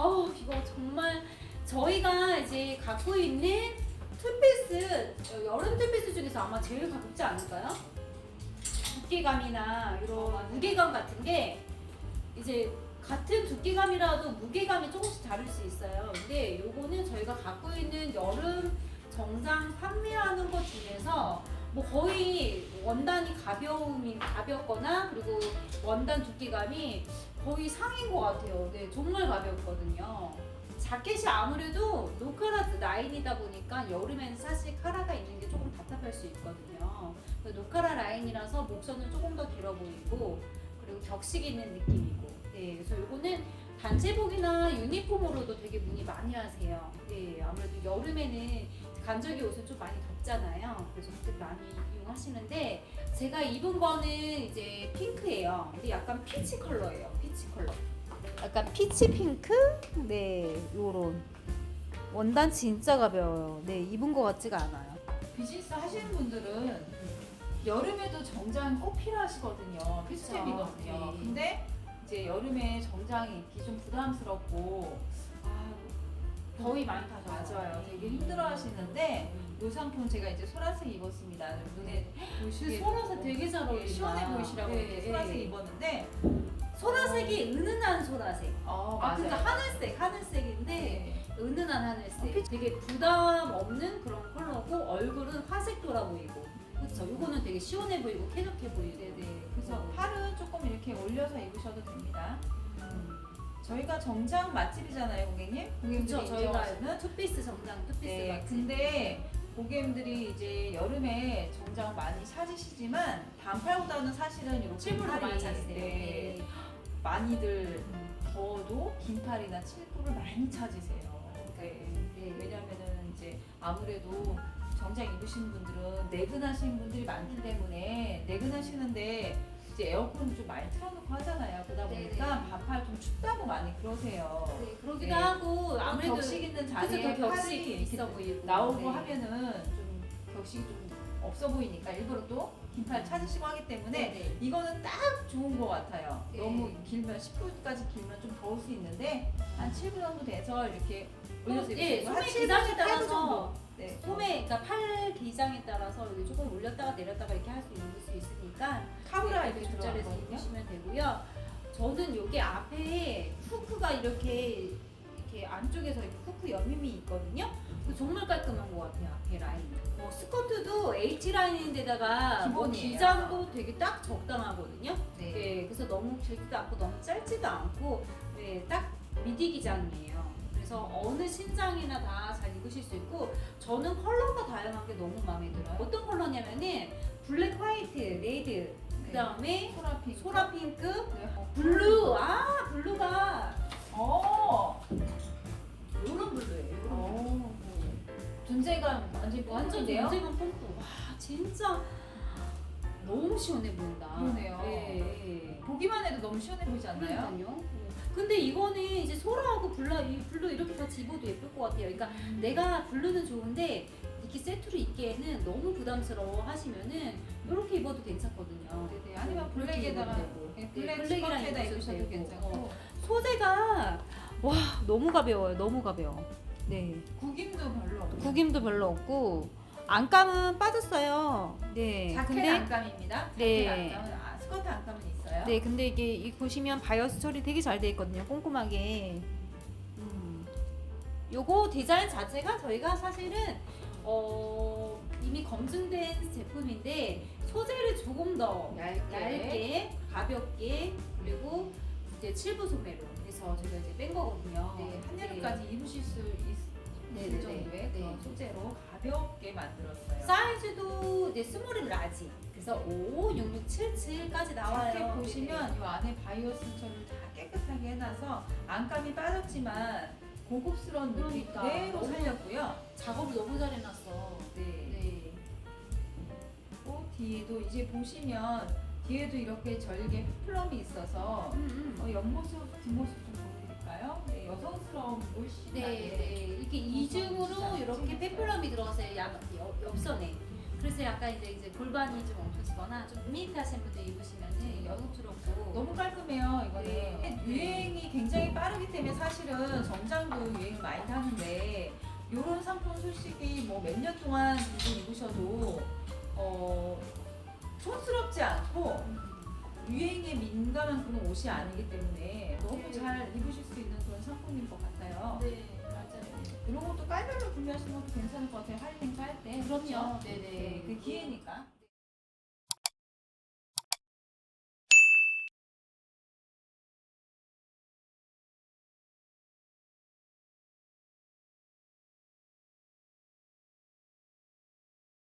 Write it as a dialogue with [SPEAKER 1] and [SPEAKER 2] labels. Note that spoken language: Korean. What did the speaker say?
[SPEAKER 1] 이거 정말 저희가 이제 갖고 있는 투피스, 여름 투피스 중에서 아마 제일 가볍지 않을까요? 두께감이나 이런 무게감 같은 게 이제 같은 두께감이라도 무게감이 조금씩 다를 수 있어요. 근데 요거는 저희가 갖고 있는 여름 정장 판매하는 것 중에서 뭐 거의 원단이 가볍거나 그리고 원단 두께감이 거의 상인 것 같아요. 네, 정말 가볍거든요. 자켓이 아무래도 노카라 라인이다 보니까 여름에는 사실 카라가 있는 게 조금 답답할 수 있거든요. 노카라 라인이라서 목선은 조금 더 길어 보이고 그리고 격식 있는 느낌이고. 네, 그래서 이거는 단체복이나 유니폼으로도 되게 문의 많이 하세요. 네, 아무래도 여름에는 간절기 옷은 좀 많이 덥잖아요. 그래서 그때 많이 이용하시는데 제가 입은 거는 이제 핑크예요. 근데 약간 피치 컬러예요. 피치 컬러. 약간 피치 핑크? 네, 요런 원단 진짜 가벼워요. 네, 입은 거 같지가 않아요.
[SPEAKER 2] 비즈니스 하시는 분들은 여름에도 정장 꼭 필요하시거든요. 필수템이거든요.
[SPEAKER 1] 네.
[SPEAKER 2] 근데 이제 여름에 정장이 입기 좀 부담스럽고
[SPEAKER 1] 더위 많이 타죠.
[SPEAKER 2] 맞아요. 되게 힘들어 하시는데 이 상품 제가 이제 소라색 입었습니다. 눈에 보시게
[SPEAKER 1] 소라색 되게 잘 어울린다.
[SPEAKER 2] 시원해 보이시라고
[SPEAKER 1] 네,
[SPEAKER 2] 이렇게
[SPEAKER 1] 네.
[SPEAKER 2] 소라색 입었는데
[SPEAKER 1] 소라색이 은은한 소라색.
[SPEAKER 2] 맞아요.
[SPEAKER 1] 그러니까 하늘색인데
[SPEAKER 2] 네.
[SPEAKER 1] 은은한 하늘색. 되게 부담 없는 그런 컬러고 얼굴은 화색 돌아 보이고. 그렇죠. 요거는 되게 시원해 보이고 쾌적해 보이고.
[SPEAKER 2] 네네. 그래서 팔은 조금 이렇게 올려서 입으셔도 됩니다. 저희가 정장 맛집이잖아요, 고객님. 고객님들이
[SPEAKER 1] 그렇죠. 저희가
[SPEAKER 2] 인정하시는.
[SPEAKER 1] 투피스 정장, 투피스
[SPEAKER 2] 네,
[SPEAKER 1] 맛집.
[SPEAKER 2] 근데 고객님들이 이제 여름에 정장 많이 찾으시지만 반팔보다는 사실은 이렇게
[SPEAKER 1] 칠부로
[SPEAKER 2] 팔이,
[SPEAKER 1] 많이 찾으세요.
[SPEAKER 2] 네, 많이들 더워도 긴 팔이나 칠부를 많이 찾으세요. 네.
[SPEAKER 1] 네.
[SPEAKER 2] 왜냐면은 이제 아무래도 정장 입으시는 분들은 내근하시는 분들이 많기 때문에 내근하시는데 이제 에어컨 좀 많이 틀어놓고 하잖아요. 그러다 보니까
[SPEAKER 1] 네네.
[SPEAKER 2] 반팔 좀 춥다고 많이 그러세요.
[SPEAKER 1] 네, 그러기도
[SPEAKER 2] 네.
[SPEAKER 1] 하고 아무래도
[SPEAKER 2] 격식 있는
[SPEAKER 1] 그래서
[SPEAKER 2] 자리에
[SPEAKER 1] 더 격식
[SPEAKER 2] 팔이
[SPEAKER 1] 있어 보이고
[SPEAKER 2] 나오고
[SPEAKER 1] 네.
[SPEAKER 2] 하면은 좀 격식이 좀 없어 보이니까 일부러 또 긴팔 찾으시고 하기 때문에
[SPEAKER 1] 네.
[SPEAKER 2] 이거는 딱 좋은 것 같아요.
[SPEAKER 1] 네.
[SPEAKER 2] 너무 길면 10분까지 길면 좀 더울 수 있는데 한 7분 정도 돼서 이렇게 올려서
[SPEAKER 1] 예,
[SPEAKER 2] 입으시고
[SPEAKER 1] 소매
[SPEAKER 2] 한
[SPEAKER 1] 기장에
[SPEAKER 2] 7분
[SPEAKER 1] 따라서
[SPEAKER 2] 정도. 네.
[SPEAKER 1] 소매, 그러니까 팔 기장에 따라서 여기 조금 올렸다가 내렸다가 이렇게 할 수 있으니까
[SPEAKER 2] 카브라
[SPEAKER 1] 네,
[SPEAKER 2] 이렇게
[SPEAKER 1] 조절해서
[SPEAKER 2] 들어가거든요.
[SPEAKER 1] 입으시면 되고요. 저는 여기 앞에 후크가 이렇게 안쪽에서 이렇게 후크 여밈이 있거든요. 그거 정말 깔끔한 것 같아요. 앞에 라인. 스커트도 H 라인인데다가
[SPEAKER 2] 기본이에요.
[SPEAKER 1] 기장도 되게 딱 적당하거든요.
[SPEAKER 2] 네.
[SPEAKER 1] 네, 그래서 너무 길지도 않고 너무 짧지도 않고 네, 딱 미디 기장이에요. 그래서 어느 신장이나 다 잘 입으실 수 있고 저는 컬러가 다양한 게 너무 마음에 들어요. 어떤 컬러냐면은 블랙, 화이트, 레드, 그 다음에
[SPEAKER 2] 소라핑.
[SPEAKER 1] 소라 핑크,
[SPEAKER 2] 네.
[SPEAKER 1] 블루. 블루가 요런 블루예요. 요런 블루.
[SPEAKER 2] 존재감 완전
[SPEAKER 1] 완전
[SPEAKER 2] 뿜뿜인데요?
[SPEAKER 1] 존재감 뿜뿜. 와, 진짜 너무 시원해 보인다.
[SPEAKER 2] 그러네요.
[SPEAKER 1] 네.
[SPEAKER 2] 보기만 해도 너무 시원해 보이지 않나요?
[SPEAKER 1] 그러니까요. 근데 이거는 이제 소라하고 블루 이렇게 같이 입어도 예쁠 것 같아요. 그러니까 내가 블루는 좋은데 이렇게 세트로 입기에는 너무 부담스러워 하시면은 이렇게 입어도 괜찮거든요.
[SPEAKER 2] 네네. 아니면
[SPEAKER 1] 그렇게
[SPEAKER 2] 블랙에다가
[SPEAKER 1] 입어도 되고.
[SPEAKER 2] 네, 블랙
[SPEAKER 1] 블랙이랑
[SPEAKER 2] 스커트에다
[SPEAKER 1] 입으셔도
[SPEAKER 2] 입으셔도
[SPEAKER 1] 되고.
[SPEAKER 2] 괜찮고
[SPEAKER 1] 소재가 와 너무 가벼워요. 너무 가벼워. 네.
[SPEAKER 2] 구김도 별로 없고
[SPEAKER 1] 구김도 별로 없고 안감은 빠졌어요. 네.
[SPEAKER 2] 자켓
[SPEAKER 1] 근데
[SPEAKER 2] 안감입니다.
[SPEAKER 1] 네.
[SPEAKER 2] 자켓 안감은 스커트 안감은 있어요.
[SPEAKER 1] 네, 근데 이게 보시면 바이어스 처리 되게 잘 돼 있거든요. 꼼꼼하게. 요거 디자인 자체가 저희가 사실은 이미 검증된 제품인데 소재를 조금 더 얇게 가볍게 그리고 이제 칠부 소매로 해서 제가 이제 뺀 거거든요.
[SPEAKER 2] 네, 한여름까지 입으실 수 있을
[SPEAKER 1] 네네네.
[SPEAKER 2] 정도의 그런
[SPEAKER 1] 네.
[SPEAKER 2] 소재로 가볍게 만들었어요.
[SPEAKER 1] 사이즈도 이제 스몰 라지. 그래서 5, 6, 6, 7, 7까지 나와요.
[SPEAKER 2] 자켓 보시면 이 안에 바이오스 처리를 다 깨끗하게 해놔서 안감이 빠졌지만 고급스러운 느낌
[SPEAKER 1] 그러니까.
[SPEAKER 2] 그대로
[SPEAKER 1] 너무
[SPEAKER 2] 살렸고요.
[SPEAKER 1] 작업을 너무 잘 해놨어.
[SPEAKER 2] 네.
[SPEAKER 1] 네.
[SPEAKER 2] 또 뒤에도 이제 보시면 뒤에도 이렇게 절개 플럼이 있어서 옆모습, 뒷모습 좀 보여드릴까요? 네, 여성스러움 물씬
[SPEAKER 1] 네, 네. 이렇게 이중으로 이렇게 페플럼이 들어가서 옆선에. 그래서 약간 이제 골반이 좀 엉켜지거나 좀 밋밋하신 분들 입으시면은 여성스럽고
[SPEAKER 2] 너무 깔끔해요 이거는.
[SPEAKER 1] 네.
[SPEAKER 2] 유행이 굉장히 빠르기 때문에 사실은 정장도 유행을 많이 타는데 이런 상품 솔직히 뭐 몇 년 동안 이거 입으셔도 촌스럽지 않고 유행에 민감한 그런 옷이 아니기 때문에 너무
[SPEAKER 1] 네.
[SPEAKER 2] 잘 입으실 수 있는 그런 상품인 것 같아요.
[SPEAKER 1] 네, 맞아요.
[SPEAKER 2] 이런 것도 깔별로 구매하시는 것도 괜찮을 것 같아요. 할인행사 할 때.
[SPEAKER 1] 그럼요.
[SPEAKER 2] 그렇죠?
[SPEAKER 1] 네네.
[SPEAKER 2] 그 기회니까.